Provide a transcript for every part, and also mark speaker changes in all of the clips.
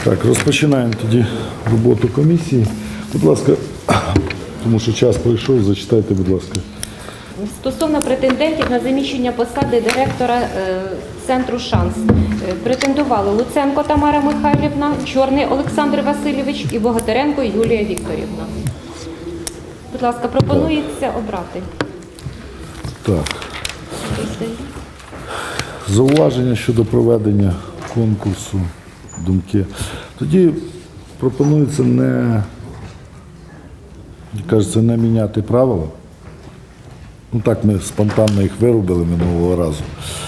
Speaker 1: Так, розпочинаємо тоді роботу комісії. Будь ласка, тому що час пройшов, зачитайте, будь ласка.
Speaker 2: Стосовно претендентів на заміщення посади директора центру «Шанс». Претендували Луценко Тамара Михайлівна, Чорний Олександр Васильович і Богатиренко Юлія Вікторівна. Будь ласка, пропонується обрати.
Speaker 1: Так. Зауваження щодо проведення конкурсу, думки. Тоді пропонується не міняти правила. Ну так, ми спонтанно їх виробили минулого разу.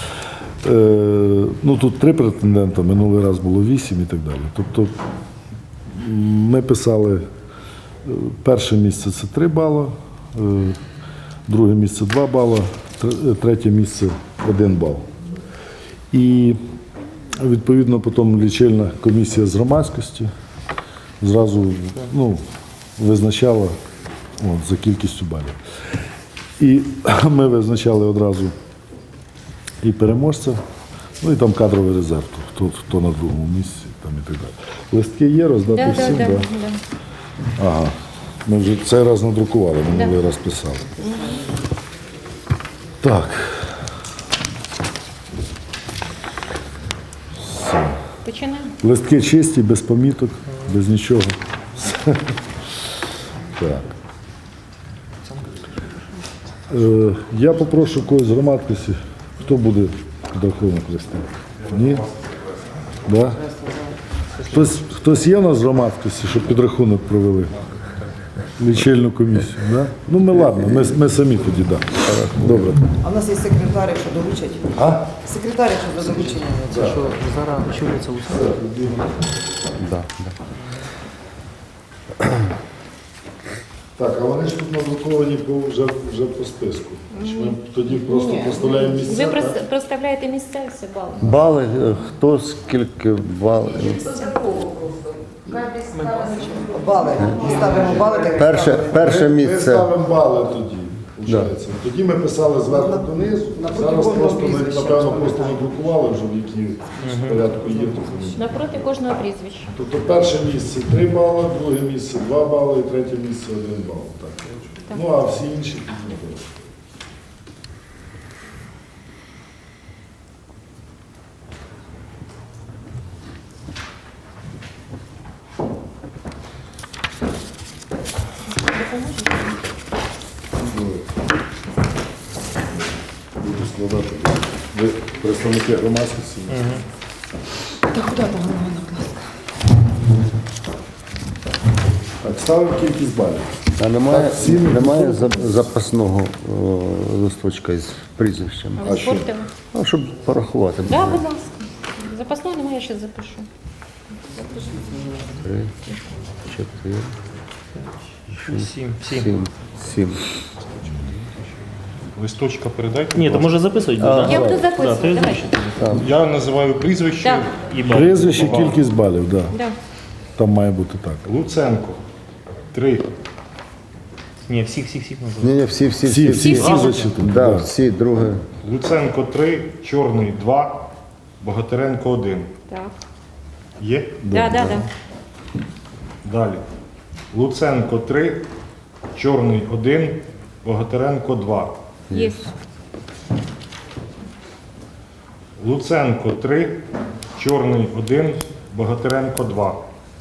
Speaker 1: Тут 3 претендента, минулий раз було 8 і так далі. Тобто ми писали, перше місце – це 3 бали, друге місце – 2 бали, третє місце – 1 бал. І відповідно потім лічильна комісія з громадськості зразу визначала за кількістю балів. І ми визначали одразу і переможця, і там кадровий резерв, хто на другому місці там і так далі. Листки є, роздати всім?
Speaker 2: Да.
Speaker 1: Ага. Ми вже цей раз надрукували, минулий раз писали. Так. Все.
Speaker 2: Починаємо.
Speaker 1: Листки чисті, без поміток, без нічого. Так. Я попрошу когось з громадськості, хто буде підрахунок вести? Ні? Да? Хтось є у нас з громадськості, щоб підрахунок провели? Лічильну комісію, да? Ми ладно, ми самі тоді, да. Добре.
Speaker 3: А в нас є секретар, якщо доручать.
Speaker 1: А?
Speaker 3: Секретар, якщо за доручення.
Speaker 4: Це що зараз очолюється Луценко?
Speaker 1: Да. Так, а вони ж тут надруковані вже по списку. Ми тоді просто проставляємо місця,
Speaker 2: Ви
Speaker 1: так?
Speaker 2: проставляєте місця і все бали.
Speaker 5: Бали, хто скільки балів?
Speaker 3: Бали. Ставимо бали, так як ставимо.
Speaker 5: Перше
Speaker 1: Ми
Speaker 5: місце.
Speaker 1: ставимо бали тоді, виходить. Тоді ми писали зверху донизу, зараз просто ми, напевно, просто надрукували вже, в якій порядку є.
Speaker 2: Напроти кожного прізвища.
Speaker 1: Тобто перше місце 3 бали, друге місце 2 бали, і третє місце 1 бал. Так. Ну, а всі інші тут не будуть. Буду складати. Ви представники громадськості?
Speaker 3: Та куди там воно накласти?
Speaker 1: Так, ставимо кількість балів.
Speaker 5: А немає,
Speaker 1: Так, всім
Speaker 5: немає запасного листочка із прізвищем.
Speaker 1: А що?
Speaker 2: Спортили.
Speaker 5: Щоб порахувати.
Speaker 2: Так, будь ласка. Запасного немає, я ще запишу.
Speaker 5: 3, 4, 7.
Speaker 6: Листочка передайте.
Speaker 4: Ні, то може записують.
Speaker 2: Я буду записувати, давайте.
Speaker 6: Я називаю прізвище
Speaker 2: Так.
Speaker 6: і бал.
Speaker 1: Прізвище, кількість балів, так.
Speaker 2: Да.
Speaker 1: Там має бути так.
Speaker 6: Луценко 3.
Speaker 4: Ні, всіх називають.
Speaker 5: Ні, всі
Speaker 1: Всі зачитані.
Speaker 5: Да,
Speaker 1: Да.
Speaker 5: всі, друге.
Speaker 6: Луценко 3, Чорний 2, Богатиренко 1.
Speaker 2: Так.
Speaker 6: Є?
Speaker 2: Да.
Speaker 6: Далі. Луценко 3, Чорний 1, Богатиренко 2.
Speaker 2: Є.
Speaker 6: Луценко 3, Чорний 1, Богатиренко 2.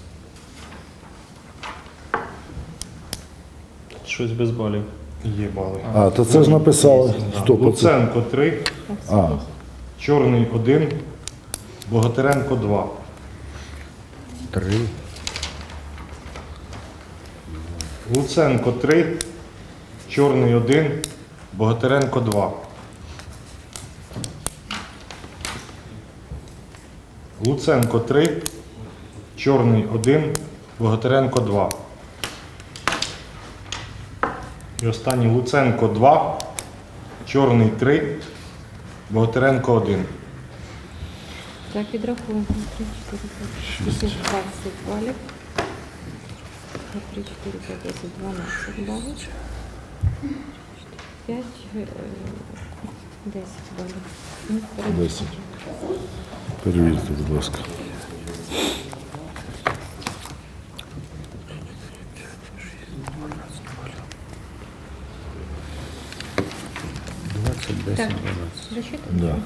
Speaker 4: Щось без балів.
Speaker 6: Є бали.
Speaker 1: А, то це ж написали. Стоп, оце.
Speaker 6: Луценко 3,
Speaker 1: А,
Speaker 6: Чорний 1, Богатиренко 2.
Speaker 5: 3.
Speaker 6: Луценко 3, Чорний 1, Богатиренко 2. Луценко 3, Чорний 1, Богатиренко 2. І останній Луценко 2, Чорний 3, Богатиренко 1.
Speaker 2: Так, підрахуємо. 3, 4, 5, 6, 20 балів. 3, 4, 5, 10, 12 балів. 5, 10 балів.
Speaker 1: 10. Перевірте, будь ласка.
Speaker 2: Так.
Speaker 5: 12.
Speaker 1: Да.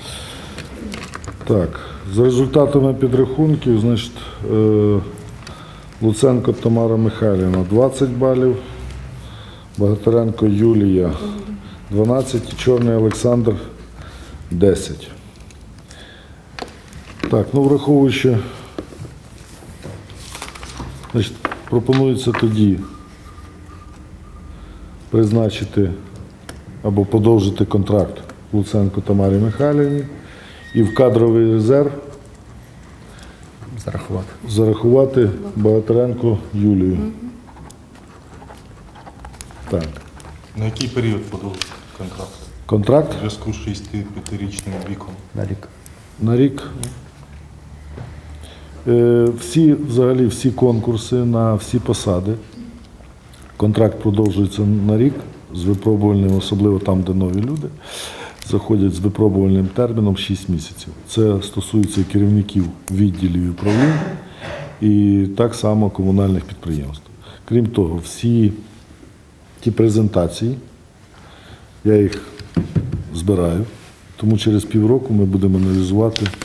Speaker 1: Так, за результатами підрахунків, значить, Луценко Тамара Михайлівна 20 балів, Богатиренко Юлія 12 і Чорний Олександр 10. Так, ну враховуючи, значить, пропонується тоді призначити або подовжити контракт Луценко Тамарі Михайлівні і в кадровий резерв
Speaker 5: Зарахувати.
Speaker 1: зарахувати Богатиренко Юлію. Так.
Speaker 6: На який період подовжити контракт?
Speaker 1: Контракт
Speaker 6: У зв'язку з 65-річним віком.
Speaker 5: На рік.
Speaker 1: на рік. Взагалі всі конкурси на всі посади. Контракт продовжується на рік з випробувальним, особливо там, де нові люди, заходять з випробувальним терміном 6 місяців. Це стосується і керівників відділів і управлінь, і так само комунальних підприємств. Крім того, всі ті презентації, я їх збираю, тому через півроку ми будемо аналізувати